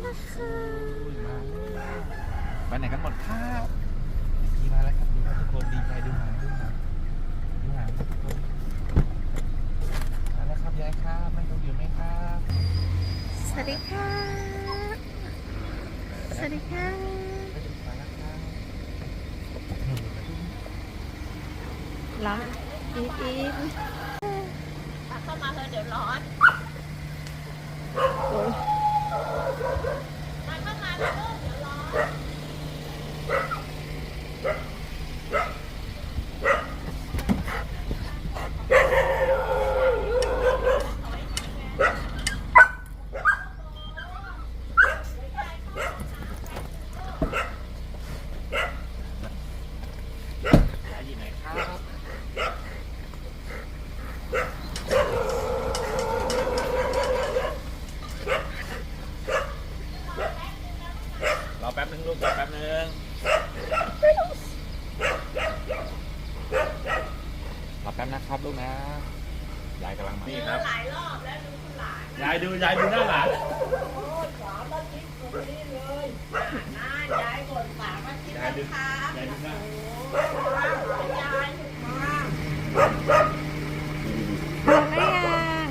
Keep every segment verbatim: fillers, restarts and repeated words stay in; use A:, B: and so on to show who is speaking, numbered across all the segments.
A: ค่ะ
B: ไปไหนกันหมดครับขี่มาแล้วครับดูครับทุกคนดีใจดูหางดูหางดูหางทุกคนมาแล้วครับยายครับนั่งดูอยู่ไหมครับ
A: สวัสดีค่ะสวัสดีค่ะ
B: ไปดูมาแล้วครับ
A: ร้อนอีฟอีฟ
C: เข้ามาเธอเดี๋ยวร้อน
A: โอ้ย
C: มาเข้ามาเถอะลูกเดี๋ยวร้อน
B: ยายอยู่ไหนครับรอแป๊บนึงลูกรอแป๊บนึงรอแป๊บนะครับลูกนะยายกำลังมานี่ครับ
C: หลายรอบแล้วดูคุณหลาน
B: ยายดูยายดูหน้าหลาน
C: สามอาทิตย์คนนี้เลยน่าย้ายก่อนสามอาทิตย์
B: ยายดู
C: นะคะ
B: ยายดูหน้า
C: โอ้ยยายมา
A: ลงได้ยัง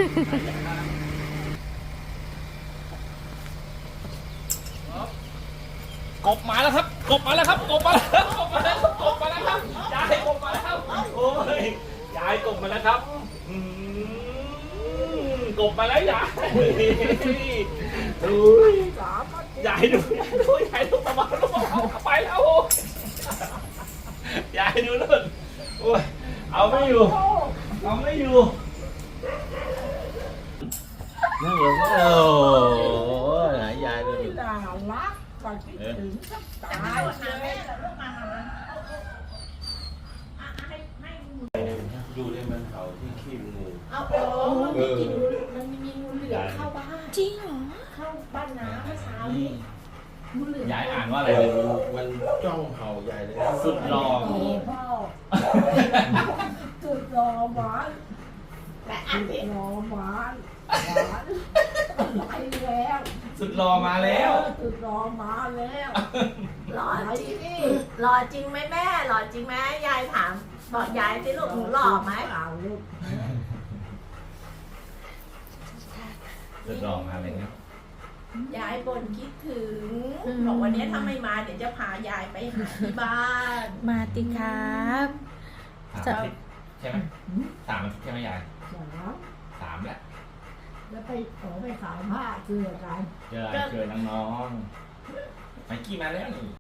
B: กบมาแล้วครับกบมาแล้วครับกบมาแล้วกบมาแล้วกบมาแล้วครับยายกบมาแล้วโอ้ยยายกบมาแล้วครับอืมกบมาแล้วยายอุ้ย
C: สามอาทิตย์
B: ยายดูยายดูยายดูประมาณลูกเอาไปแล้วยายดูนู่นโอ้ยเอาไม่อยู่เอาไม่อยู่นั่งลงโอ้ยยายดูดิ
C: น่ารักก็คิดถึงสักตายเลยลูกมามามาให้ให้
D: ดูในมันเขาที่ขี้งู
C: เอาโอ้มันมีกลิ่นงูมันมีงูเหลือมเข้าบ้าน
A: จริงเหรอ
C: เข้าบ้านน้ำเมื่อเช้านี้งูเหลือม
B: ยายอ่านว่าอะไร
D: มันจ้องเห่าใหญ่เลย
B: สุดหล่อ
C: มีพ่อสุดรอหวานและอันนี้รอหวานหวานไปแล้ว
B: สุดหล่อมาแล้ว
C: สุดรอมาแล้ว
E: หล่อจริงหล่อจริงไหมแม่หล่อจริงไหมยายถามบอกยายสิลูกหนูหล่อไหม
C: เปล่าลูก
B: สุดหล่อมาเลยครับ
E: ยายบ่นคิดถึงบอกวันนี้ถ้าไม่มาเดี๋ยวจะพายายไปหาที่บ้าน
A: มาติครับ
B: สามอาทิตย์ใช่ไหมสามอาทิตย์ใช่ไหมยาย
C: สอง
B: สามแหละ
C: แล้วไปขอไปขายผ้าเกลือกัน
B: เจอเจอน้องๆไปกี่มาแล้วนี่